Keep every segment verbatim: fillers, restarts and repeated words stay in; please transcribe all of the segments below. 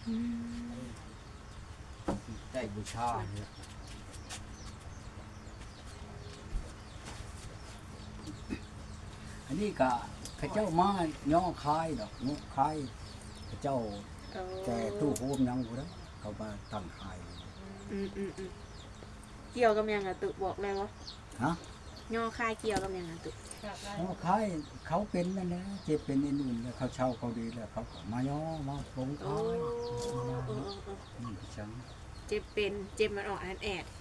ได้บูชาเนี่ยอันนี้ก็ข้าเจ้ามาย่อคายดอกเนาะคายข้าเจ้าแต่ตู้โฮมยังบ่ได้เขามาตั้งคายอืมอืมอืมเกี่ยวกับยังอะตุบอกเลยวะฮะย่อคายเกี่ยวกับยังอะตุย่อคายเขาเป็นนั่นแหละเจ็บเป็นอื่นๆแล้วเขาเช่าเขาดีแล้วเขาก็มาย่อมาลงคายนี่จังเจ็บเป็นเจ็บมันออกอันแอด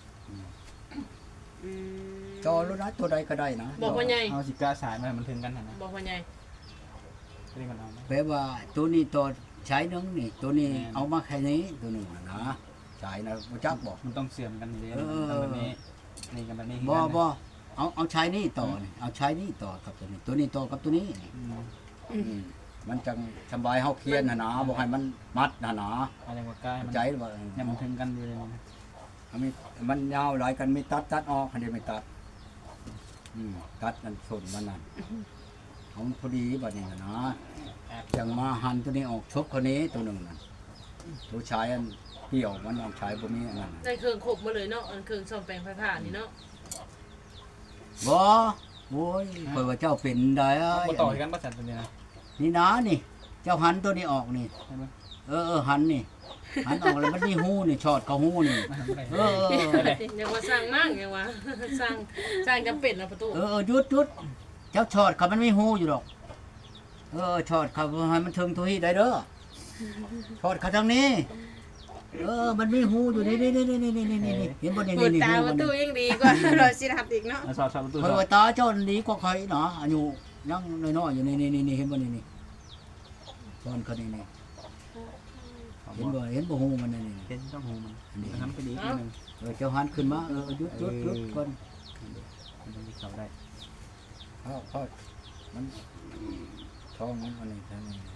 จอรู้นะตัวใดก็ได้นะบอกว่าไงเอาสิกาสายมามันถึงกันนะบอกว่าไงนี่มันเอาแปลว่าตัวนี้ตัวใช้นึงนี่ตัวนี้เอามาแค่นี้ตัวหนึ่งนะใช้นะบ่จักบอกมันต้องเสื่อมกันเลยแบบนี้นี่กันแบบนี้บ่บ่เอาเอาใช้นี่ต่อนี่เอาใช้นี่ต่อกับตัวนี้ตัวนี้ต่อกับตัวนี้มันจังสบายเฮาเคียนหนาบ่ให้มันมัดหนาอะไรกว่าใกล้ใจว่าเนี่ยมันถึงกันอยู่เลยนะมีมันยาวหลายกันมีตัดตัดออกคันนี้ไม่ตัดอืมตัดนั่นส่วนมันนั่นเอาพอดีบัดนี้นะจังมาหั่นตัวนี้ออกชกคนนี้ตัวหนึ่งนั่นตัวชายอันเกี่ยวมันเอาชายบ่มีอันนั้นได้เครื่องขบมาเลยเนาะอันเครื่องซ่อมแปลงไฟฟ้านี่เนาะบ่โอ้ยเพิ่นว่าเจ้าเป็นได้บ่ต่อกันบ่สั่นตัวนี้นะนี่นะนี่เจ้าหันตัวนี้ออกนี่เออเออหันนี่หันออกแล้วมันมีหูนี่ชอดเข้าหูนี่เอออย่าว่าสร้างมากอย่าว่าสร้างสร้างจำเป็นนะประตูเออหยุดหยุดเจ้าชอดเขามันมีหูอยู่ดอกเออชอดเขาให้มันถึงทุยได้เด้อชอดเขาทางนี้เออมันมีหูอยู่นี่นี่นี่นี่นี่นี่นี่เห็นบ่นี่นี่นี่ตาประตูยังดีกว่าเราสิรับอีกเนาะสอบสอบประตูเฮ้ยตาเจ้าดีกว่าใครเนาะอายุยังน้อยๆอยู่นี่นี่นี่เห็นบ่นี่นี่ชอดเขานี่นี่เห็นบ่เห็นบ่หูมันนี่เห็นต้องหูมันนี่ทำไปดีนิดนึงเออเจ้าหันขึ้นมาเออหยุดหยุดหยุดก่อนมันจะเข้าได้พ่อพ่อมันท้องมันอันนี้ท่านนี่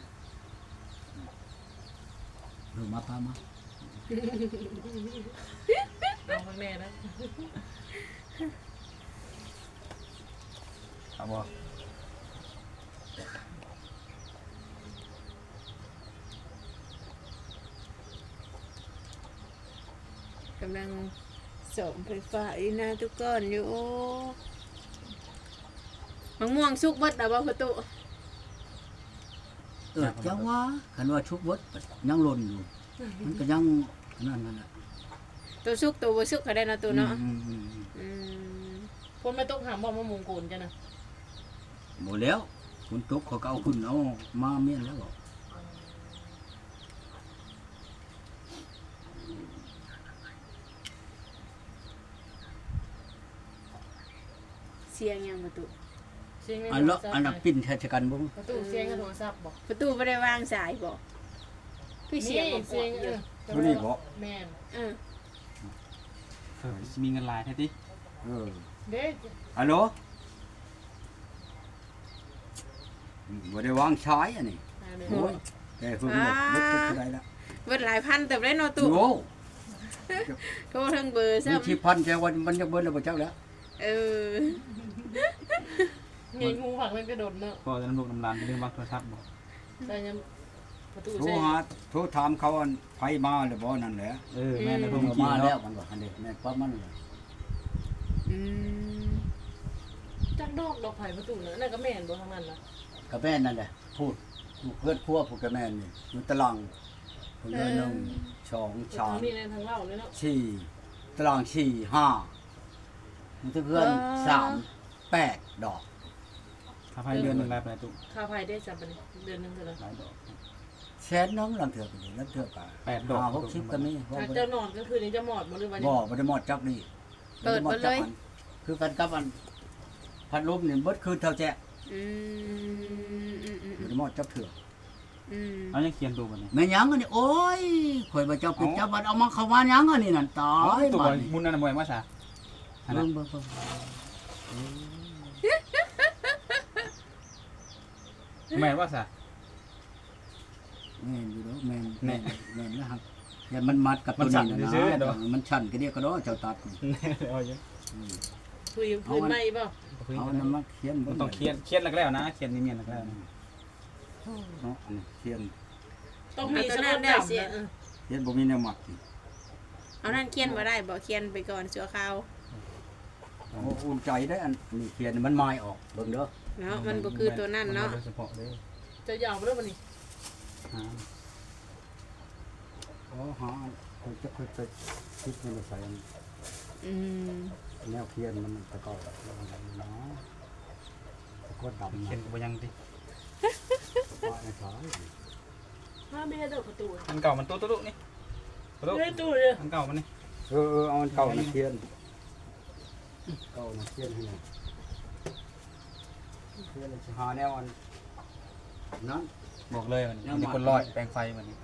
เออมาพามาเอาข้างแน่นะเอาบ่กำลังส่งไฟฟ้าอีน่าทุกก้อนอยู่มะม่วงสุกบดเอาบ่ประตูเออจังว่าคันว่าชุกบดยังหล่นอยู่มันก็ยังนั่นนั่นแหละตัวสุกตัวบ่สุกก็ได้นะตัวเนาะคนไม่ต้องหาบ่มะม่วงโกนจ้ะนะหมดแล้วคนตกเขาเอาขึ้นเอามาเมียนแล้วบอกเสียงยังประตูอันละอันละปิ้นแทชกันบุ้งประตูเสียงโทรศัพท์บอกประตูไม่ได้วางสายบอกพี่เสียงเสียงเออตัวนี้บอกแม่นเออเออมีเงินลายแท้ดิเออเด็กฮัลโหลบ่ได้วางสายอันนี้โอ้ยแต่เพิ่งหมดเบิดทุกไรละเบิดหลายพันแต่ได้นอตู้โอ้โทรทั้งเบอร์ซ้ำที่พันแกวันมันจะเบิดแล้วบ่เจ้าแล้วเออไงงูผักมันกระโดดเนาะก็จะน้ำลูกน้ำลานเรื่องบักโทรศัพท์บอกแต่ยังประตูโทรหาโทรถามเขาอันไผมาหรือบ่นั่นแหละเออแม่ในพวกมาแล้วมันบอกอันนี้แม่ปั๊บมันเลยอืมจักดอกดอกไผ่ประตูนั่นนั่นก็แม่นบ่ทางนั้นล่ะก็แม่นนั่นแหละพูดเพื่อนครัวพูดกับแม่นนี่อยู่ตารางเพิ่นเลยหนึ่งสองสามนี่ในทางเล่าเลยเนาะสี่ตารางสี่ห้ามันจะเพื่อนสามแปดดอกค่าไฟเดือนหนึ่งรายไปตุ๊กค่าไฟได้จำเป็นเดือนหนึ่งเท่าไหร่หลายดอกแสนน้องลังเถื่อไปเลยลังเถื่อกันแปดดอกหกสิบกันนี่เจ้านอนก็คือนี่จะหมอดบ่หรือว่าบ่บ่ได้หมดจักนี่เปิดมาเลยคือกันกับอันพัดลมนี่เบิดคืนเท่าแจ๊อืมอืมอืมบ่ได้หมดจักเถื่ออืมเอายังเขียนตัวบัดนี้แม่หยังอันนี้โอ้ยข่อยบ่เจ้าปิดจับบัดเอามาเข้ามาหยังอันนี้นั่นตายตัวมุนนั่นบ่อยมาซะเบิ่งเบิ่งแม่นว่าซะแม่นอยู่ดอกแม่นแม่นแม่นนะครับอย่ามันมัดกับตัวนี้นะมันชันก็เดียวก็ดอกเจ้าตัดเอาอยู่คุยพื้นใหม่ป่ะเอานำมาเขียนต้องเขียนเขียนแล้วนะเขียนนี่เมียนแล้วเนาะเขียนต้องมีสมุดดำนะเฮ็ดบ่มีแนวหมักอีกเอานั่นเขียนบ่ได้บ่เขียนไปก่อนชั่วคราวโอ้อุ่นใจได้อันนี้เขียนมันไม้ออกเบิ่งเด้อเนาะมันบ่คือตัวนั่นเนาะโดยเฉพาะเลยจะยาวไปแล้ววันนี้อ่าอ๋อหาคนจะค่อยไปคิดมันใส่อันอืมแนวเขียนมันตะกอนเนาะตะกอนดำเขียนนะก็บ่ยังติว่าไอ้สายมาไม่ให้เดินประตูอันเก่ามันตู้ตู้นี่ตู้ไม่ให้ตู้เลยอันเก่ามันนี่เออเออเอาอันเก่ามาเขียนเก่ามาเขียนให้หน่อยเขียนเลยสิหาแนวอันนั้นบอกเลยมันยังมีมาคนลอยแปลงไฟมันนี่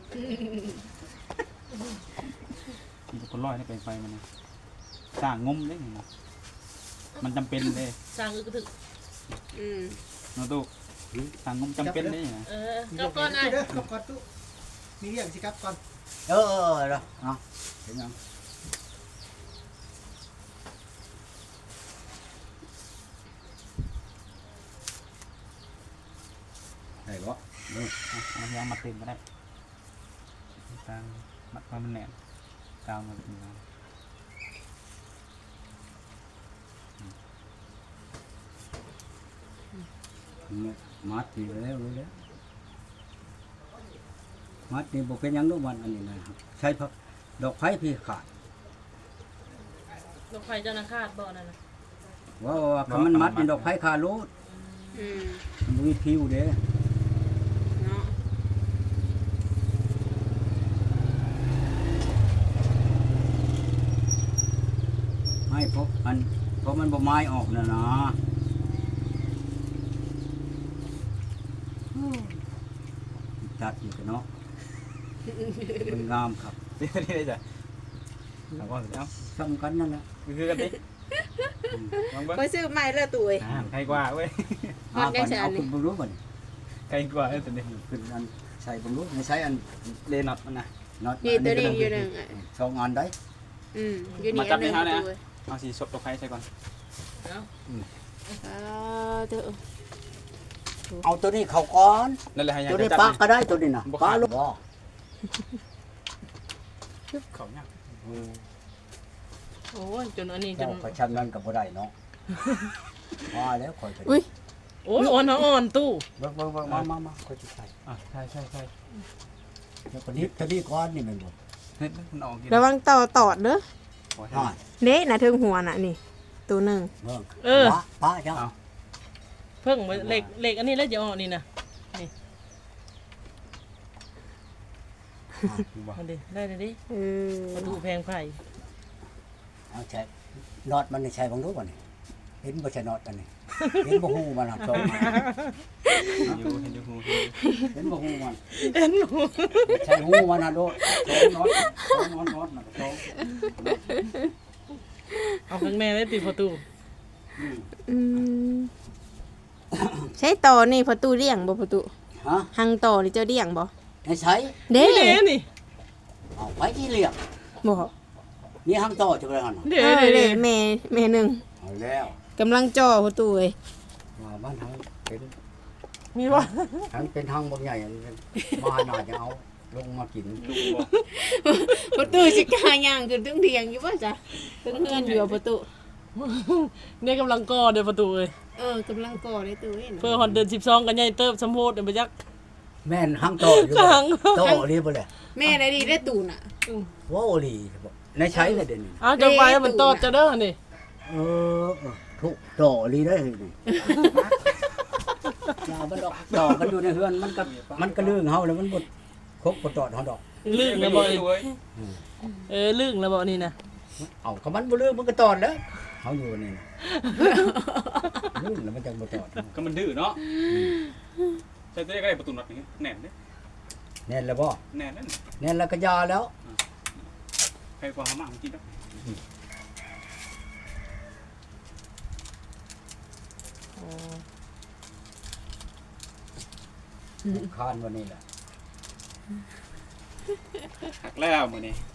มีคนลอยในแปลงไฟมันนี่สร้างงมได้นี่นะมันจำเป็นเลยสร้างอึกระถึกอืมเนาะตู้สร้างงมจำเป็นได้นะเออเจ้าก้อนไอ้เด้อกับก่อนตู้มีเรื่องสิครับก่อนเออเออเออเด้อเอาเห็นยังได้บ่เอออ่ะเอาพยายามมาเต็มก็ได้กลางมัดความมันแหนมกลางมันเป็นกลางมัดนี่แล้วรู้แล้วมัดนี่บ่เป็นหยังดอกมันอันนี้นะครับใช้พักดอกไผ่พี่ขาดดอกไฟเจ้านาคาดบ่อนั่นนะว่าว่าคำมันมัดนี่ดอกไผ่ขาดโลดอืมมันบ่มีผิวเด้เนาะให้พบอันเพราะมันบ่ไม้ออกน่ะนะจัดอยู่กันเนาะมันงามครับนี่ได้จ้ะเอาก่อนเอ้าสำคัญนั่นแหละคือกันดิลองเบิ่งไปซื้อใหม่เลยตุ้ยอ่าใครกว่าเว้ยฮอดยังก่อนใช่อัเอานนี้ขึ้นเบิ่งรู้บ่นี่ใครกว่าเอ้ยตัวนี้ขึ้นอันใส่เบิ่งรู้ไม่ใช่อันเลน็อตมันนะน็อตนี่ตัวนี้อยู่หนึงอ่ะสองอันได้อืมอยู่นี่มาจัอับนหนึงให้เขานะตุ้ยเอาสีสดตัวใครใส่ก่อนเอ้าอ่าเด้อเอาตัวนี้เข้าก่อนนั่นแหละให้ยายตัวนี้จับปลานี่ก็ได้ตัวนี้นะบ่ปลาขาดลูกบ่เขาเนี่ยโอ้ยจนอันนี้จเจ้าน ก็ชำนั้นก็บ่ได้เนาะว่าแล้วค่อยไปอุ้ยโอ้ยอ่อนเขาอ่อนตู้เบิ่งเบิ่งเบิ่งมามามาค่อยสิใส่อ่ะใช่ใช่ใช่แล้วก็นิดตัวนี้ก่อนนี่แม่นบ่เฮ้ยมันออกกินระวังต่อตอดเด้อโอ้ยน้อยเด้น่ะถึงหัวน่ะนี่ตัวหนึงเบิ่งเออปลาปลาเจ้าเพิ่งเหล็กเหล็กอันนี้แล้วจะอ่อนนี่นะดูบ่มาดิได้เลยดิเออประตูแพงไผ่เอาใช้น็อตมันนี่ใช้บังรู้บ่นี่เห็นบ่ใช่น็อตอันนี้เห็นบ่ฮู้มันน่ะตรงมาอยู่เห็นอยู่หูเห็นอยู่เห็นบ่ฮู้มันเอ็นหนูใช่ฮู้มันน่ะโดดสองน็อตสองน็อตน็อตน่ะสองเอาข้างแม่ได้ติดประตูอืมอืมใช้ต่อนี่ประตูเลี้ยงบ่ประตูฮะหังต่อนี่เจ้าเลี้ยงบ่ให้ใช้เด้นี่เด้นี่เอาไปที่เรียกบ่นี่ห้างต่อจังได๋หั่นน่ะเด้เออเด้เด้เด้แม่แม่หนึงเอาแล้วกำลังจ่อประตูเอ้ยว่าบ้านเฮาเป็นมีว่าทั้งเป็นทางบางใหญ่มาหน่อยจะเอาลงมากินดูบ่ประตูสิกล้าย่างขึ้นถึงเถียงอยู่บ่จ๊ะถึงเฮือนอยู่ประตูเนี่ยกำลังก่อเดี๋ยวประตูเลยเออกำลังก่อได้ตู้เอ้ยเพื่อฮอนเดินสิบสองกันใหญ่เติบสมโพธิเดี๋ยวไปยักแม่นห้างต่ออยู่ห้างต่อรีบ่เลยแม่ได้ดีได้ตู้น่ะว้าวลีในใช้เลยเดี๋ยวนี้อ้าวจะไปมันตอดจะเด้อนี่เออทุกต่อรีได้เลยนี่อย่ามันดอกต่อกันอยู่ในเฮือนมันก็มันก็ลื่นเฮาแล้วมันบ่ครบบ่ตอดเฮาดอกลึกไม่แล้วบ่บ่ดูเว้ยเออลึกแล้วบ่นี่นะเอาก็มันบ่ลื่นมันก็ตอดแล้วเฮาอยู่นี่นะลื่นแล้วมันจังบ่ตอดก็มันดื้อเนาะใช่ตัวนี้ก็ได้ประตูน็อตนี่แน่นเด้แน่นแล้วบ่แน่นนั่นแน่นแล้วก็ยาแล้วใครกว่าเขามากินแล้วคานวันนี้แหละหักแล้วมื้อนี้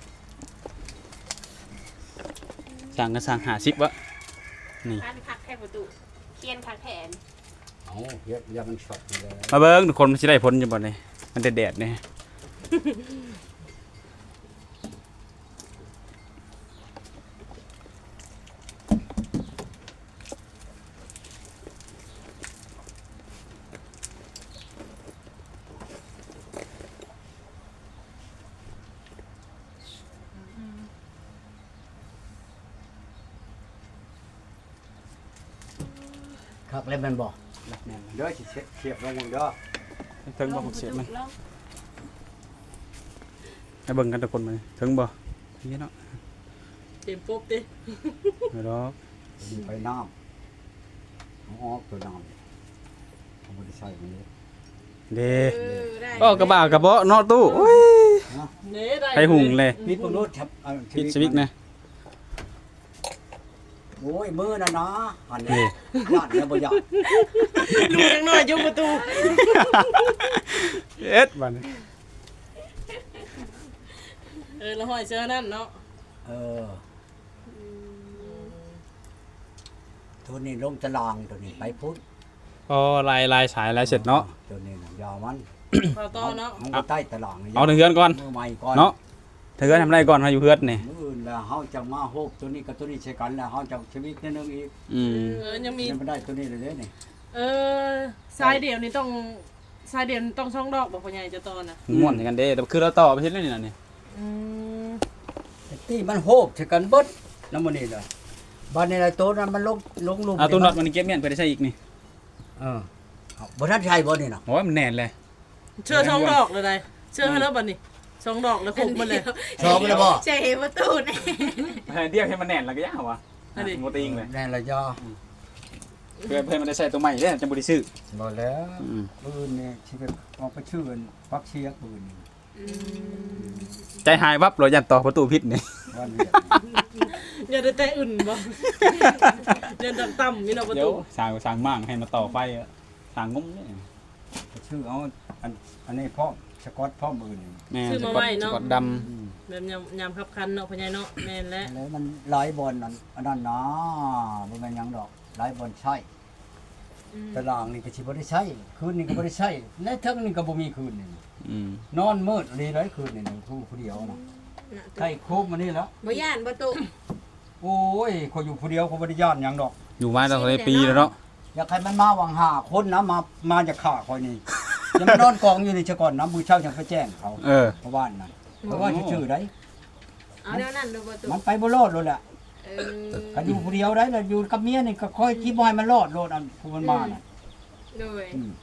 สั่งก็สั่งหาสิบวะนี่อันคักแค่ประตูเคียนคักแทนเอาเฮ็ดอย่ามันช็อตนี่เลยมาเบิ่งทุกคนมันสิได้ผลอยู่บ่นี่มันแดดๆนี่คักแล้วแมันบ่รักแม่นเด้อสิเสียบลงมึงเด้อถึงบ่หกเสียบมันให้เบิ่งกันทุกคนมานี่ถึงบ่นี่เนาะเต็มปุ๊บดิไม่ดอกไปน้ำเอาออกตัวน้ำเอาบ่ได้ใส่มันเลยเด้เออได้ก็กระบะกระเบาะเนาะตู้โอ้ยเน่ได้ให้หุงเลยปิดบ่รู้ทับเอาปิดสวิตช์นะโอ้ยมือน่ะนะอันนี่นี้ญาติเนี่ยบ่ญาติลูกจังน้อยอยู่ประตูเอ็ดบัดนี้เออแล้วห้อยเสื้อนั่นเนาะเออตัวนี้ลงตารางตัวนี้ไปพุทธพอลายลายสายลายเสร็จเนาะตัวนี้น่ะยาวมันพอต่อเนาะเอาใต้ตารางเอาถึงเฮือนก่อนมือใหม่ก่อนเนาะเธอทำไรก่อนมาอยู่เฮือนนี่มื้ออื่นแล้วเฮาจะมาโฮบตัวนี้กับตัวนี้ใช้กันแล้วเฮาจะชีวิตนิดนึงอีกอืมเออยังมียังบ่ได้ตัวนี้เลยเด้นี่เออทรายเดี่ยวนี่ต้องทรายเดี่ยวต้องช่องดอกบอกพ่อใหญ่จะตอนน่ะม่วนกันเด้แต่คือเราต่อไปเฮ็ดเรื่องนี่น่ะนี่อืมที่มันโฮบใช้กันเบิดนำมื้อนี้ล่ะบัดนี้ล่ะตัวนั้นมันลงลงหลุมเอาตู้น็อตมันเก็บเมียนไปได้ใช้อีกนี่เออเอาบ่ทันใช้บ่นี่น่ะโอ้ยมันแน่นเลยเชื่อช่องดอกเลยได้เชื่อให้แล้วบัดนี้ช่องดอกแล้วคุกมันเลยชอบเลยบ่ใช่ประตูนี่เดียวให้มันแน่นแล้วก็ยาววะโมติงเลยแน่ละยอเพื่อเพื่อมันได้ใช้ตัวใหม่เด้จังบ่ได้ซื้อบ่แล้วอืมปืนนี่สิไปออกไปชื่อกันปักเชียปืนนี่ใจหายวับเลยยันต่อประตูพิษนี่ว่าเวียดอย่าได้แต่อื่นบ่เดินต่ำๆนี่เนาะประเดี๋ยวตูสร้างสร้างมั่งให้มาต่อไฟอะสร้างงุ้มนี่ไปชื่อเอาอันอันนี้พร้อมสกอตพร้อมปืนนี่แม่ซื้อสมากอไว้ตสเนาะกอตดอืมแบบยำยำคับคันเนาะพ่อใหญ่เนาะแม่นแล้วแล้วมันหลายบอลนั่นอันนั้นนะบ่แม่นหยังดอกหลายบอลใช้ตารางนี่ก็สิบ่ได้ใช้คืนนี่ก็บ่ได้ใช้และเทั้งนี่ก็บ่มีคืนนี่ำอืมนอนมืดเลยหลายคืนนี่ผู้ผู้เดียวนะใกล้คุบมานี่แล้วบ่ย่านประตูโอ้ยเขาอยู่ผู้เดียวเขาบ่ได้ย่านหยังดอกอยู่มาตั้งแต่ปีแล้วเนาะอยากให้มันมาวังหาคนนะมามาจากข่าคอยนี่ ยังมานอนกองอยู่นี่ซะก่อนนะมื้อเช้ายังไปแจ้งเขาเออเพราะว่านั่นเพราะว่าชื่อๆได้เอาแนวนั้นดูประตูมันไปบ่รอดเลยแหละเออก็อยู่ผู้เดียวได้แล้วอยู่กับเมียนี่ก็คอยคิดบ่ให้มันรอดโลดอันผู้มันมาน่ะโดยอืม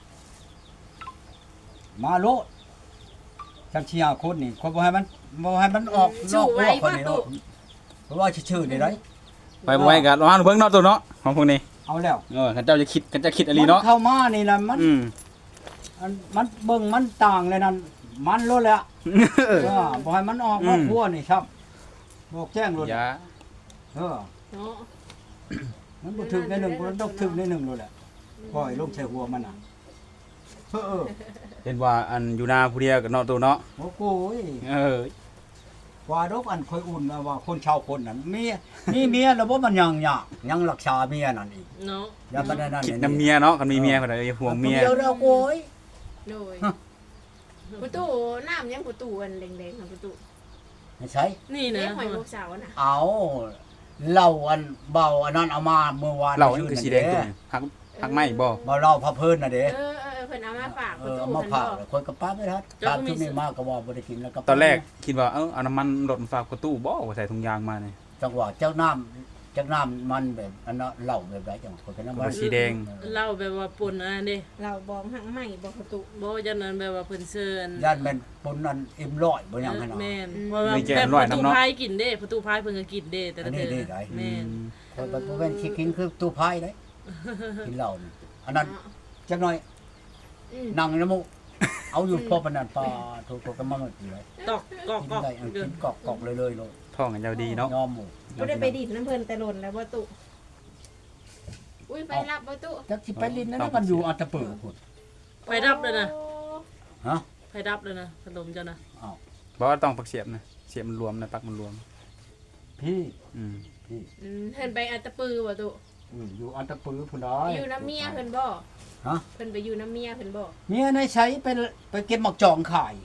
มาโลดจังเชียร์คนนี่คนบ่ให้มันบ่ให้มันออกนอกรั้วคนนี่โลดเพราะว่าชื่อๆนี่ได้ไปบ่ไว้กันระวังเบิ่งเนาะตัวเนาะของพวกนี้เอาแล้วเออคันเจ้าจะคิดคันเจ้าคิดอะไรเนาะมันเข้ามานี่นะมันอืมมันมันเบิ่งมันต่างเลยนั่นมันโลดแล้วเออเออบ่ให้มันออกนอกรั้วนี่ครับบอกแจ้งโลดอย่าเออเนาะมันบ่ถึกในหนึ่งมันต้องถึกในหนึ่งโลดแหละปล่อยลงใส่หัวมันน่ะเออเออเห็นว่าอันอยู่นาผู้เดียวกับเนาะตัวเนาะโอ้โหยเออว่าดอกอันค่อยอุ่นนะว่าคนชาวคนนั้นเมียมีเมียแล้วบ่มันยังยากยังรักษาเมียนั่นอีกเนาะอย่าไปนั่นนั่นคิดน้ำเมียเนาะกันมีเมียคนใดห่วงเมียเดียวแล้วโอ้ยโดยประตูน้ำยังประตูอันแดงๆนะประตูไม่ใช่นี่นะเลี้ยงหอยพวกสาวน่ะเอาเหล้าอันเบาอันนั้นเอามาเมื่อวานเรานี่คือสีแดงตัวนี้หักหักไหมบ่เบาเหล้าพะเพิ่นน่ะเด้เออเออเพิ่นเอามาฝากเอประอตูเอามาเพิ่นผ่าบอกคนกับป้าไม่ทันตามที่นี่มากก็ว่าบ่ได้กินแล้วก็ตอนแรกคิดว่าเออเอาน้ำมันรถมาฝากประตูบ่ว่าใส่ถุงยางมานี่จังหวะเจ้าน้ำจักน้ำมันแบบอันนั้นเหล้าแบบไรจังคนกันน้ำมันสีแดงเล่าแบบว่าปุ่นอันนั้นเด้เราบองหักไหม้บอกประตูบ่จังนั้นแบบว่าเพิ่นเชิญย่านแม่นปนนั้นเอ็มร้อยบ่ยังขนาดแม่นั้นนเพราะว่าแบบประตูพายกินเด้ประตูพายเพิ่นก็กินเด้แต่ละเธอแม่นคนบ่เป็นสิกินคือตู้พายเด้กินเหล้านี่อันนั้นจักหน่อยอืมนั่งในน้ำมูกเอาอยู่พอปานนั้นปลาถูกๆก็มาหมดเลยตอกกอกกินกอกได้เอากินกอกๆเลยๆเลยท้องกันยาวดีเนาะยอมหมู่บ่ได้ไปดิดน้ำเพิ่นแต่หล่นแล้วประตูอุ้ยไปรับประตูจักสิไปลิ้นนั่นนะมันอยู่อัตตะเปิดพุ่นไฟดับเลยนะฮะไฟดับเลยนะพัดลมเจ้านะอ้าวบ่ว่าต้องปักเสียบนะเสียบมันรวมนะปักมันรวมพี่อืมพี่อืมเพิ่นไปอัตตปือประตูอืมอยู่อัตตะปือพุ่นได้อยู่น้ำเมียเพิ่นบ่ฮะเพิ่นไปอยู่น้ำเมียเพิ่นบ่เมียในใช้ไปไปเก็บหมักจองขายเอ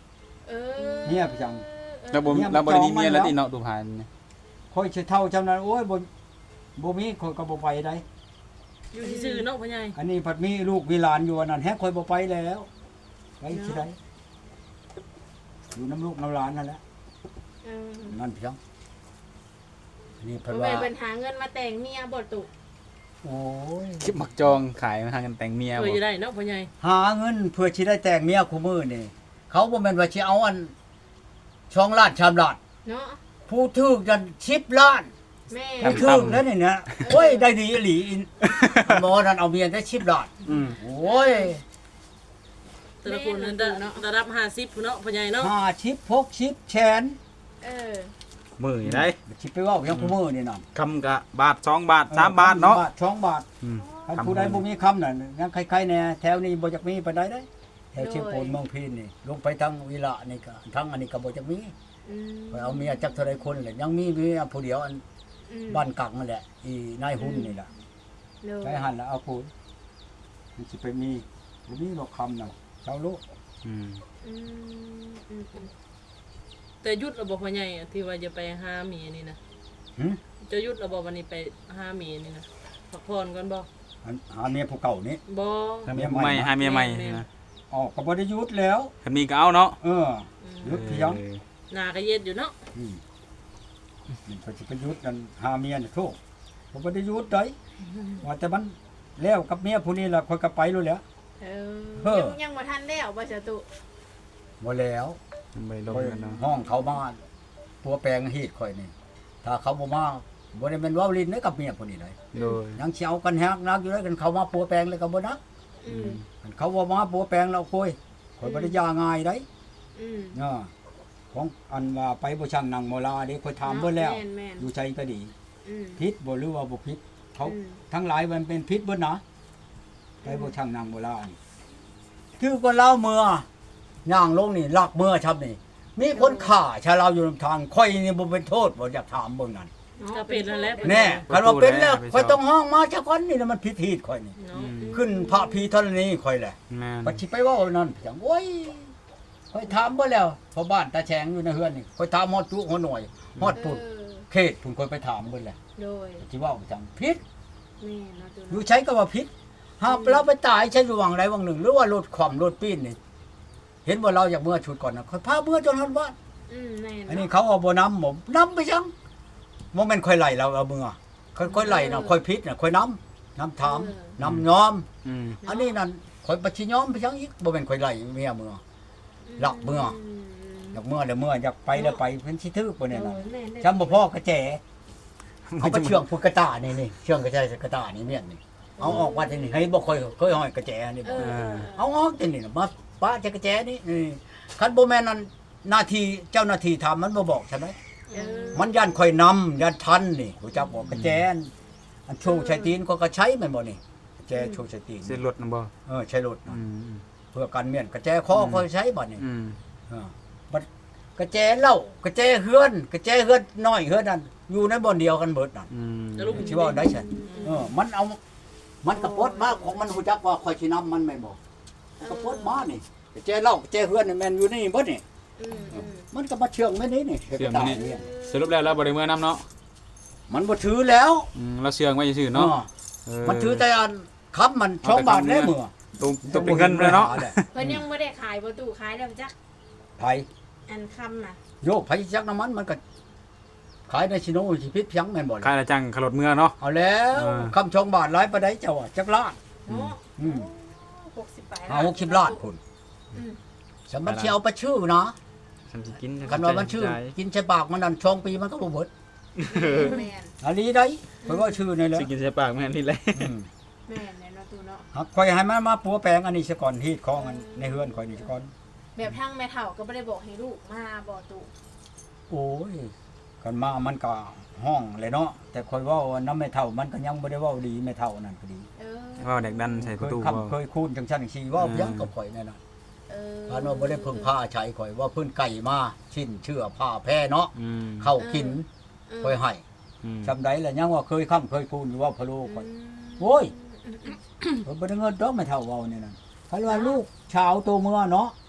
เออเมียไปจังแล้วบ่เนี่ยมันแล้วบ่ได้มีจองมันเมียแล้วแล้วติเนาะดูผ่านนี่ค่อยสิเท่าจำนั้นโอ้ยบ่บ่มีค่อยก็บ่ไปได้อยู่ซื่อๆเนาะพ่อใหญ่อันนี้ผัดมีลูกมีหลานอยู่อันนั้นแฮกค่อยบ่ไปแล้วไปสิได้อยู่น้ำลูกน้ำหลานนั่นแหละเออนั่นเพียงอันนี้เพิ่นบ่ว่าแม่นเพิ่นหาเงินมาแต่งเมียบ่ตุโอ้ยคลิปมักจองขายมาทางกันแต่งเมียเคบ่ยอยู่ได้เนาะพ่อใหญ่หาเงินเพื่อสิได้แต่งเมียคู่มือนี่เขาบ่แม่นว่าสิเอาอันช่องล้านชามล้านเนาะผู้ถูกกันสิบล้านแม่ผู้ถูกแล้วนี่นะโอ้ยได้ดีอีหลีอินหมอนั่นเอาเมียได้สิบล้านอืมโอ้ยแต่ละคนนั้นระดับห้าสิบพุ่นเนาะพ่อใหญ่เนาะห้าสิบหกสิบแสนเออมื้อนี่ได้สิไปเว้าอย่างคู่มือนี่นั่นคำกะบาทสองบาทสามบาทเนาะบาทสองบาทอืมคันผู้ใดบ่มีคำนั่นยังใครๆแน่แถวนี้บ่จักมีปานใดได้แถวเชียงโพนเมืองพีนนี่ลงไปทางวิระนี่ก็ทางอันนี้ก็บ่จักมีอืมไปเอาเมียจักเท่าใดคนแหละยังมีเมียผู้เดียวอันอืมบ้านกักนั่นแหละอีนายหุ่นนี่ล่ะโดยใช้หันแล้วเอาพูดมันสิไปมีบ่มีหรอกคำน่ะเจ้าลูกอืมอืมอืมอืมแต่หยุดระบบพ่อใหญ่อะที่ว่าจะไปหาเมียนี่นะหึจะหยุดระบบวันนี้ไปหาเมียนี่นะพักผ่อนก่อนบ่อันหาเมียผู้เก่านี่บ่ถ้าเมียใหม่หาเมียใหม่นะออกก็บ่ได้หยุดแล้วคันมีก็เอาเนาะเออหยุดเพียงเออหน้าก็เย็ดอยู่เนาะอืมมันก็สิไปหยุดนั่นหาเมียน่ะโทษบ่บ่ได้หยุดได้ว่าแต่มันแล้วกับเมียผู้นี้ล่ะค่อยก็ไปรู้แหล้วเอเฮ้ออยังยังบ่ทันแล้วบ่สตุบ่แล้วมันไปลงค่อยกันเนาะห้องเขามาปัวแปลงฮีดข่อยนี่ถ้าเขาบ่มาบ่ได้แม่นเว้าลิ้นเด้อกับเมียผู้นี้เลยโดยยังสิเอากันแฮกนักอยู่เลยกันเขามาปัวแปลงเลยก็บ่นักอืมกันเขาบ่มาปัวแปลงแล้วคุยข่อยบ่ได้ยาง่ายได้อืมเนาะของอันว่าไปบ่ช่างนางโมลาเด้ข่อยถามเบิ่แล้วแม่นแม่นอยู่ใจก็ดีอืมผิดบ่หรือว่าบ่ผิดเขาอืมทั้งหลายมันเป็นผิดเบิดนะไปบ่ช่างนางโมลานี่ถือว่าเล่าเมื่อย่างลงนี่ลักเมื่อชับนี่ มีคนฆ่าชาวเราอยู่นำทางข่อยนี่บ่เป็นโทษบ่อยากถามเบิ่งนั่นก็เป็นแล้วแหละแน่คันว่าเป็นแล้วข่อยต้องห้องมาซะก่อนนี่นะมันผิดฮีดข่อยนี่เนาะขึ้นพระพีธรณีข่อยแหละแม่นปัจฉิไปเว่านั่นจังโอ้ยข่อยถามบ่แล้วเพราะบ้านตาแฉงอยู่ในเฮือนนี่ข่อยถามฮอดจุฮอดหน่อยฮอดปุ่นเออเขตพุ่นข่อยไปถามเบิ่นแหละโดยสิเว้าจังผิดแม่เนาะตุอยู่เนาะใช้ก็ว่าผิดหากเราไปตายใช้อยู่วังใดวังหนึ่ง หรือว่ารถขวามรถปีนนี่เห็นว่าเราอยากเมื่อชุดก่อนนะข่อยพาเมื่อจนฮอดบ้านอืมแม่อันนี้เนาะเขาเอาบ่นำผมนำไปจังบ่แม่นข่อยไล่เราเอาเมื่อข่อยข่อยไล่น่ะข่อยผิดน่ะข่อยนำนำถามนำยอมอืมอันนี้นั่นข่อยบ่สิยอมไปจังอีกบ่แม่นข่อยไล่เมียเมื่อ หลักเมื่อ อยากเมื่อแล้วเมื่ออยากไปแล้วไปเพิ่นสิทึกบ่เนี่ยน่ะโอ้แม่นได้จำบ่พอกระแจเอาไปเชื่องพุกกระตานี่นี่เชื่องกระแจกระตานี่เมียนนี่เอาออกว่าที่นี่ให้บ่ค่อยเคยห้อยกระแจนี่เอบ่อเอาออกที่นี่น่ะมาป้าจะกระแจนี่นี่คันบ่แม่นนั่นหน้าที่เจ้าหน้าที่ทำมันบ่บอกใช่ไหมเออมันยันค่อยนำยันทันนี่รู้จักบ่กระแจนอันโชว์ใช้ตีนก็ก็ใช้แม่นบ่นี่กระแจโชว์ใช้ตีนเส้นรถนำบ่เออใช้รถอืน่ะมเพื่อกันเมียนกระแจคอก็ใช้บ่นี่อืมเออบัดกระแจเหล้ากระแจเฮือนกระแจเฮือนน้อยเฮือนนั่นอยู่ในบ่อนเดียวกันเบิดนั่นอืมสิว่าได้ซั่นเออมันเอามันกระปดมาของมันฮู้จักว่าข่อยสินำมันแม่นบ่มันกระปดมานี่กระแจเหล้ากระแจเฮือนนี่แม่นอยู่นี่เบิดนี่อืมอืมมันก็มาเชื่องแม่นี่นี่เสื่อมมานี่สรุปแล้วเราบ่ได้เมื่อนํเนาะมันบ่ถือแล้วอืมเราเสื่องไว้ซื่อๆเนาะออเออมันถือแต่อันค้ำมันช่องบาทได้มื้อตรงตรงเป็นเงินเลยเนาะเพิ่นยังบ่ได้ขายบ่ตู้ขายแล้วจักไผอันคำน่ะโยกไผจักน้ำมันมันก็ขายในชิโนสิพิษเพียงแม่นบ่ล่ะค่าละจังขลดเมื่อเนาะเอาแล้วอ่าคำช่องบาทหลายปานใดเจ้าอะจักล้านเนาะอืมหกสิบแปดห้าหกสิบล้านพุ่นอืมสมมันสิเอาไปชื่อนะฉันสิกินคันว่ามันชื่อ กินใส่ปากมันนั่นช่องปีมันก็บ่เบิดแม่นอันนี้ได้เพิ่นว่าชื่อนี่แหละสิกินใส่ปากแม่นนี่แหละอืมแม่นแน่เนาะตู้เนาะหักข่อยให้มันมาปัวแปลงอันนี้ซะก่อนฮีดของอันในเฮือนข่อยนี่ซะก่อนแบบทางแม่เฒ่าก็บ่ได้บอกให้ลูกมาบ่ตู้โอ้ยกันมามันก็ห้องเลยเนาะแต่ข่อยเว้าว่าน้ำแม่เฒ่ามันก็ยังบ่ได้เว้าดีแม่เฒ่านั่นก็ดีเออว่าเด็กดันใส่เคประยตูคำเคยคูนจังซั่นจังซี่เว้ายังกับข่อยนั่นน่ะเออพานว่าบ่ได้เพิ่งผ้าใช้ข่อยว่าเพิ่นไก่มาชิ้นเชื่อผ้าแพ้เนาะอืมเข้ากินเออข่อยให้อืมจำได้แล้วยังว่าเคยค้ำเคยคูนอยู่ว่าพะโลข่อย โอ้ย เพิ่นบ่ได้เงินดอกไม่เท่าเว้านี่นั่นคันว่าลูกชาวโตเมื่อเนาะ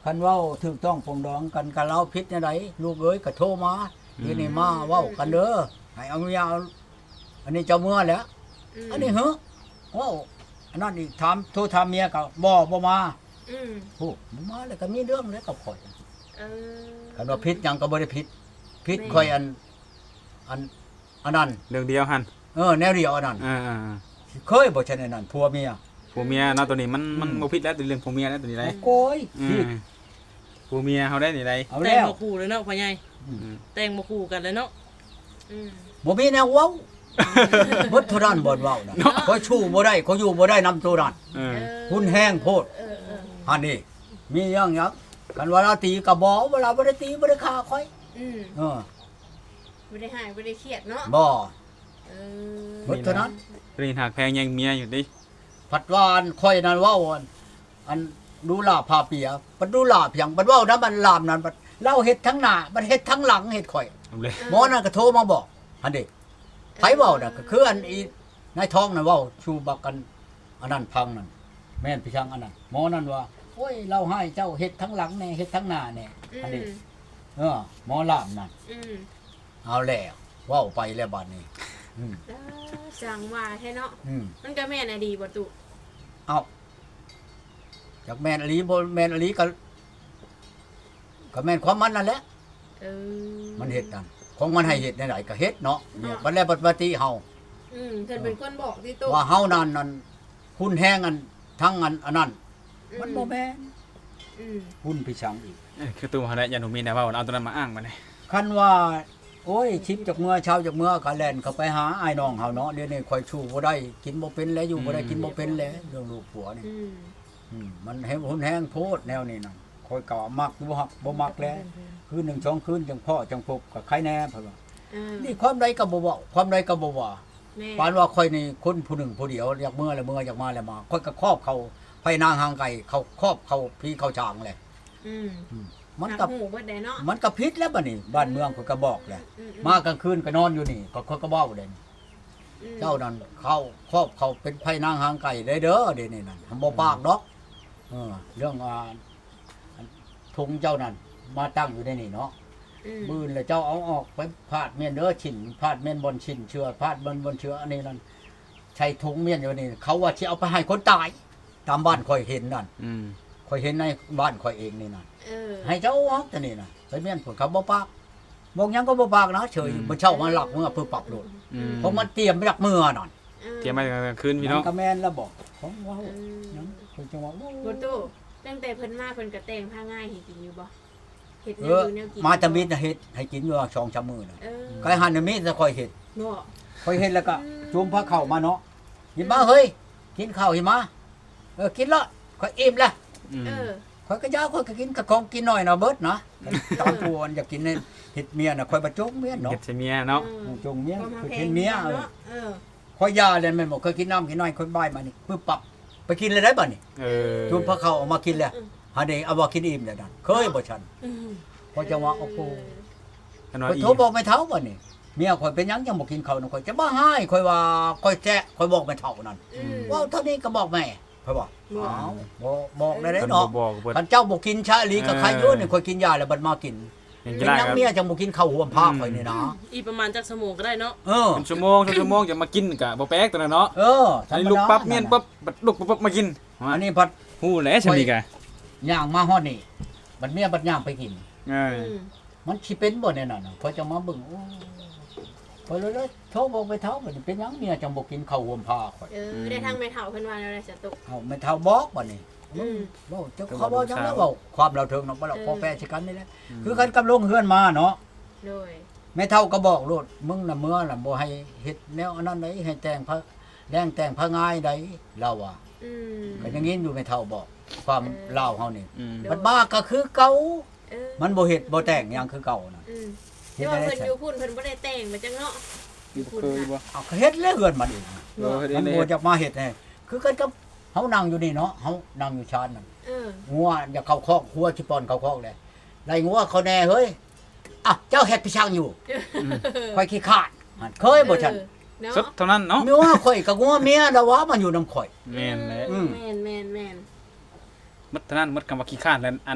คันเว้าถูกต้องปรองดองกันกันเราผิดจังไดลูกเอ้ยก็โทรมาทีนี้มาเว้ากันเด้อให้เอายาวอันนี้เจ้าเมื่อแหล้วมอันนี้เหรอเว้าอันนั้นอีกถามโทรถามเมียก็บ่บ่มาอืมโอ้บ่มาแล้วก็มีเรื่องแล้วก็ข่อยเออคันว่าผิดหยังก็บ่ได้ผิดผิดข่อยอันอันอันนั้นเรื่องเดียวหั่นเออแนวเดียวอันนั้นอ่าเคยบ่ใช่ในนั้นผัวเมียๆผัวเมียเนาะตัวนี้มันมันอืมบ่ผิดแล้วตัวเรื่องผัวเมียแล้วตัวนี้ได้โอ้ยอืผิดมผัวเมียเฮาได้นี่ได้เอาแต่แล้งวบ่คู่เลยเนาะพ่อใหญ่อืมแต่งบ่คู่กันเลยเนาะอืมบ่มีแนวเว้าบ่เท่านั้นบ่เว้านะข่อยชู้บ่ได้ข่อยอยู่บ่ได้นำตัวนั้นเออหุ่นแห้งโพดเออเอออันนี้มีหยังหยังกันว่าเราตีก็บ่เวลาบ่ได้ตีบ่ได้ฆ่าข่อยอืมเออบ่ได้หายบ่ได้เครียดเนาะบ่เออบ่เท่านั้นตัวนี้หักแพงยังเมียอยู่ดิผัดวานข่อยนั่นเว้าอันอันดูลาพาเปียปัดดูลาเพียงปัดเว้านะมันลามนั่นปัดเล่าเฮ็ดทั้งหน้ามันเฮ็ดทั้งหลังเฮ็ดข่อยเอาเลยหมอนั่นก็โทรมาบอกอันนี้ไผเว้าน่ะก็คืออันอีนายท้องนั่นเว้าชูบักกันอันนั้นพังนั่นแม่นพี่ช่างอันนั้นหมอนั่นว่าโอ้ยเราให้เจ้าเฮ็ดทั้งหลังแน่เฮ็ดทั้งหน้าแน่อือันนี้มเออหมอลามนั่นอืมเอาแล้วเว้าไปแล้วบัดนี้อืมเออสั่งว่าแท้เนาะอืมมันก็แม่นอะดีบ่ตุเอาจากแม่นอลีบ่แม่นอลีก็ก็แม่นความมันนั่นแหละเออมันเฮ็ดนั่นของมันให้เฮ็ดได้ไหนก็เฮ็ดเนาะเนี่ยบัดแล้วบัดปฏิเฮาอืมเพิ่นเป็นคนบอกที่ตุว่าเฮานั่นนั่นหุ้นแห้งอันทั้งอันอันนั้นมันบ่แม่นอืมหุ้นพี่ชังอีกเอ้ยคือตัวเฮาได้ยันหนูมีแนวเว้าเอาตัวนั้นมาอ้างมาเลยคันว่า โอ้ยชิปจากเมื่อเช้าจากเมื่อก็แล่นเข้าไปหาอ้ายน้องเฮาเนาะเดี๋ยวนี้ข่อยชูบ่ได้กินบ่เป็นแล้วอยู่บ่ได้กินบ่เป็นแล้วเรื่องลูกผัวนี่อืมอืมมันให้หุ้นแห้งโพดแนวนี้น่ะข่อยก็มักอยู่บ่ฮักบ่มักแล้วคืนหนึ่งสองคืนจังพ่อจังพบก็ใครแน่เพิ่นว่าเออนี่ความใดก็บ่เว้าความใดก็บ่ว่าแม่ปานว่าข่อยนี่คนผู้หนึ่งผู้เดียวอยากเมื่อแล้วเมื่ออยากมาแล้วมาข่อยก็ครอบเขาไปนางหางไก่เขาครอบเขาพี่เขาช้างแหละอืมมันก็หูเบิดได้เนาะมันก็ผิดแล้วบัดนี้บ้านเมืองข่อยก็บอกแหละอืมากลางคืนก็นอนอยู่นี่ก็ข่อยก็เว้าเลยอืมเจ้านั่นเขาครอบเขาเป็นไผนางหางไก่ได้เด้อเดี๋ยวนี้นั่นทำบ่ปากดอกเออเรื่องอ่าธงเจ้านั่นมาตั้งอยู่ในนี่เนาะอืมมื่นแล้วเจ้าเอาออกไปพาดเมียนเด้อฉินพาดเมียนบนฉินเชื่อพาดบนบนเชื่ออันนี้นั่นใช้ถุงเมียนอยู่นี่เขาว่าสิเอาไปให้คนตายตามบ้านข่อยเห็นนั่นอืมข่อยเห็นในบ้านข่อยเองนี่นั่นเออให้เจ้าออกแต่นี่น่ะไปเมียนผลเขาบ่ปากบอกหยังก็บ่ปากนะเฉยมันเช่ามาหลักเมื่อเพื่อปรับโลดอืมเพราะมันเตรียมหลักมือนั่นออเตรียมมากลางคืนพี่มัน้องนก็แม่นแล้วบอกของเว้าเออนั้นข่อยจังว่าโอ้บ่ตู้ตั้งแต่เพิ่นมาเพิ่นก็แต่งผ้าง่ายให้กินอยู่บ่เฮ็ดแนเอวออยู่แนวกินมาตะมิดน่ะเฮ็ดให้กินอยู่สองสามมื้อน่ะเออก็ให้หันน่ะมีแต่ข่อยเฮ็ดบ่ข่อยเฮ็ดแล้วก็จุ่มผ้าเข้าวมาเนาะกินมาเฮ้ยกินข้าวหิมาเออกินละข่อยอิ่มละอืมเออข่อยก็ยาวข่อยก็กินกะของกินหน่อยนะเบิดนะตามตัวอันอยากกินเนี่ยเฮ็ดเมียน่ะข่อยบ่จงเมียเนาะเก็บใส่เมียเนาะเออจงเมียก็มาคือแพเฮ็งดเมียเออเนาะเออข่อยยาเลยแม่นบ่เคยกินน้ำกินน้อยข่อยบ่ายมานี่ปึ๊บปับไปกินเลยได้บ่นี่เออจุ่มพระเข้าเอามากินแล้วหาได้เอาบ่กินอิ่มแล้วนั่นเคยบ่ฉันอืมข่อยจังว่าโอ้โหขนาดข่อยอีโทรบอกแม่เฒ่าบ่นี่เมียข่อยเป็นหยังยังบ่กินข้าวนะข่อยจะบ่ให้ข่อยว่าข่อยแจ้ข่อยบอกแม่เฒ่านั่นอืมว่าเท่านี้ก็บอกแม่ข่อยบอกบอกอ้าวบ่บอกได้เพิ่เด้นเนาะบ่บอกเพิ่นคันเจ้าบ่กินชาอีหลีกับเออใครอยู่นี่ข่อยกินยาแล้วบัดมากินเห็นเป็กี่นได้หยังครับเมียจังบ่กินข้าวห่วมผ้าข่อยนี่นะอีกประมาณจักชั่วโมงก็ได้เนาะเออเป็นชั่วโมงสองชั่วโมงจะมากินกะบ่แปลกตัวนั้นเนาะเอออันนี้ลุกปั๊บเมียนปั๊บบัดลุกปั๊บปั๊บมากินอันนี้พัดฮู้แหล้วซั่นนี่กะย่างมาฮอดนี่บัดเมียบัดย่างไปกินเอออืมมันสิเป็นบ่แน่นอนน่ะพอจะมาเบิ่งโอ้พอเลยเลยโทรบอกไปเฒ่าบัดนี้เป็นหยังเมียจังบ่กินข้าวห่วมผ้าข่อยเออได้ทางแม่เฒ่าเพิ่นว่าแล้วได้สตุกเอาไม่เฒ่าบอกบัดนี้อืมเว้าเจ้าเขาบอกจังแล้วเว้าความเราเทิงเนาะบ่เราพอแปรสิกันนี่แหละคือกันกับลงเฮือนมาเนาะโดยแม่เฒ่าก็บอกโลดมึงน่ะเมื่อน่ะบ่ให้เฮ็ดแนวอันนั้นไดให้แต่งพระแดงแต่งพระง่ายใดเราอ่ะอืมก็อย่างงี้อยู่แม่เฒ่าบอก ความลาวเฮานี่อืมมันบ้าก็คือเก่าเออมันบ่เฮ็ดบ่แต่งหยังคือเก่าน่ะอืมเฮ็แต่ดว่าได้เพิ่นใช่อยู่พุ่นเพิ่นบ่ได้แต่งมาจังเนาะอยู่พุ่นเคยน่ะบ่เอาก็เฮ็ดแล้วเฮือนมันเองเออเฮ็ดมันเองบ่จะมาเฮ็ดให้คือกันกับเฮานั่งอยู่นี่เนาะเฮานั่งอยู่ชานนั่นเอองัวอย่าเข้าคอกหัวสิปอนเข้าคอกเลยไล่งัวเขาแน่เฮ้ยอ่ะเจ้าเฮ็ดพี่ช่างอยู่ค่อยขี้ขลาดหั่นเคยบ่ฉันเออเนาะสุดเท่านั้นเนาะมีว่าข่อยกับงัวเมียแล้วว่ามันอยู่นำข่อยแม่นแหละอืมแม่นแม่นแม่นมัดเท่านั้นมัดคำว่าขี้ข้านแล้วอัน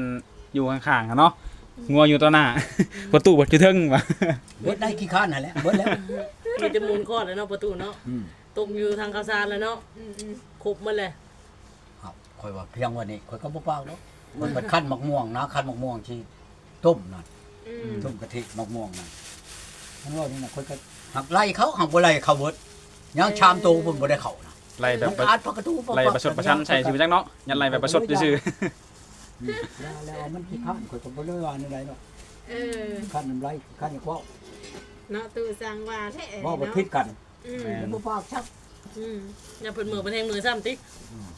อยู่ข้างๆกันเนาะงัวอยู่ต่อหน้าประตูบ่อยู่เทิงว่ะเบิดได้ขี้ข้านนั่นแหละเบิดแล้วมีแต่มูลคอดแล้วเนาะประตูเนาะอืมตกอยู่ทางข้าวสารแล้วเนาะอืมอืมครบหมาเลยครับข่อยว่าเพียงวันนี้ข่อยก็บ่ปากแล้วมันเป็นขั้นมะม่วงนะขั้นมะม่วงที่ต้มนั่นอืมต้มกะทิมะม่วงนั่นมันว่านี่น่ะข่อยก็หักไล่เขาหักบ่ไล่เขาเบิดยังชามโตเพิ่นบ่ได้เข้านะไล่แบบมันอาดประตูไล่ประชดประชันใส่ชีวิตจักเนาะยันไล่แบบประชดซื่ออืมแล้วแล้วมันขี้ข้านข่อยก็บ่ได้ว่าอะไรหรอกเออขั้นมันไล่ขั้นอย่างว่าเนาะตู้สั่งว่าแท้ว่าบ่เนาะผิดกันอืมมันบ่ปากชักอืมอย่าเพิ่นมือเป็นแทงมือซ้ำติ๊กอืม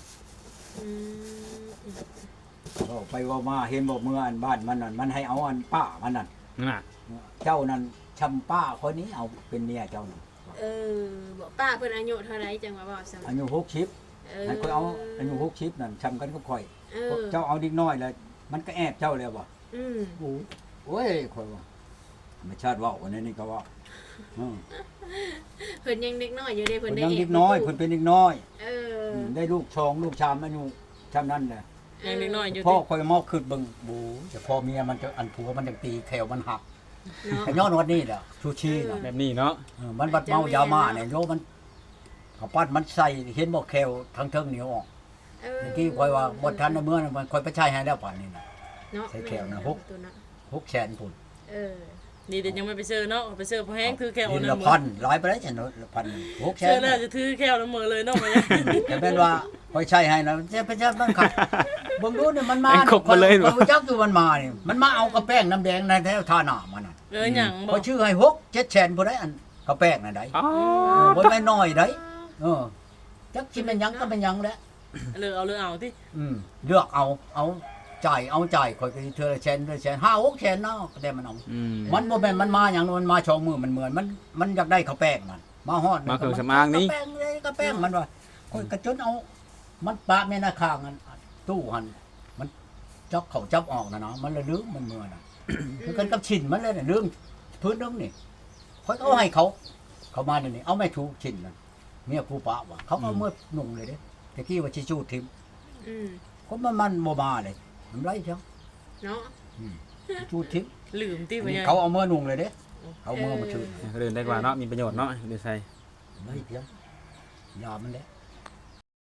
ก็ไปว่ามาเห็นบอกเมื่ออันบ้านมันนั่นมันให้เอาอันป้ามันนั่นๆน่ะเจ้านั่นชำป้าคนนี้เอาเป็นเมียเจ้านั่นเออบอกป้าเพิ่นอายุเท่าไหร่จังว่าบอกซั่นอายุหกสิบเออให้ค่อยเอาอายุหกสิบนั่นชำกันก็ค่อยเออเจ้าเอาดิกน้อยเลยมันก็แอบเจ้าเลยบ่อืมโอ้โอ้ยค่อยว่าธรรมชาติเว่าวันนี้นี่ก็ว่าอืมเพิ่นยังเด็กน้อยอยู่เด้เพิ่เพิ่นนได้ยังเอดิฟกน้อยใตู้เพิ่นเป็นดิกน้อยเออมได้ลูกชองลูกชามอายุชำนั้นแหละยังเล็กน้อยอยู่พ่อติ๊กค่อยมอกขึ้นเบิ่งบูแต่พ่อเมียมันจะอันผัวมันจะตีแขวมันหักเนาะแต่ย้อนวันนี้แหละชูชีน่ะแบบนี้เนาะเออมันบัดเมายามาเนี่ยโยมันเขาปัดมันใส่เห็นบ่แควทั้งเทิงเหนียวออกเออเมื่อกี้คอยว่าบ่ทันในเมื่อนั้นมันคอยไปใช้ให้แล้วป่านนี้น่ะเนาะใส่แขวนะม่หกตัวเนาะหกแสนพุ่นเออนี่เดี๋ยวยังไม่ไปเจอเนาะไปเจอพอแห้งถือแก้วดินน้ำละมืพัอนหลายไปแล้วจังละพันหกแสเจอน แล้วจะถือแก้วน้ำมือเลยเนาะมาเนี่ยแต่เป็นว่าคอยใช้ให้นะจะไปใช้มันขัดเบิ่งดูนี่มันมาแม่งครบมาเลยบ่รู้จักอยู่มันมานี่มันมาเอากระแป้งน้ำแดงในแถวท่าหน้ามันน่ะเออหยังบพออก ชื่อให้หกเจ็ดแสนบ่ได้อันกระแป้งน่ะได้อ๋อเออบ่แม่นน้อยได้เออจักสิเป็นหยังก็เป็นหยังแหละเลือกเอาเลือกเอาที่อืมเลือกเอาเอาจ่ายเอาจ่ายคอยก็สิเธอละแสนเธอละแสนห้าหกแสนเนาะแต่มันเอาอืมมันบ่แม่นมันมาอย่างนั้นมันมาชองมือมันเหมือนมันมันอยากได้ข้าวแป้งมันมาฮอดมาเครื่องสำอางนี่ข้าวแป้งเลยข้าวแป้งมันว่าคอยกระจนเอา มันปะแม่นาข้างอันตู้หันมันจับเข้าจับออกนะเนาะมันละลืมมันเมื่อน่ะ คือกันกับชิ้นมันเลยน่ะลืมพื้นนึงนี่คอยเอาให้เขา เขามาเดี๋ยวนี้เอาไม่ถูกชิ้นนั่นเมียกูปะว่ะเขาเอาเมื่อนุ่งเลยเด้ตะกี้ว่าสิจูดทิมอืมคนมันมันบ่มาเลยมันไรจังเนาะจูดทิมลืมที่ไปยังเขาเอาเมื่อนุ่งเลยเด้เขาเอามื่อมาชื่อเดินได้กว่าเนาะมีประโยชน์เนาะดูใส่ไม่เพียงยามันแหละ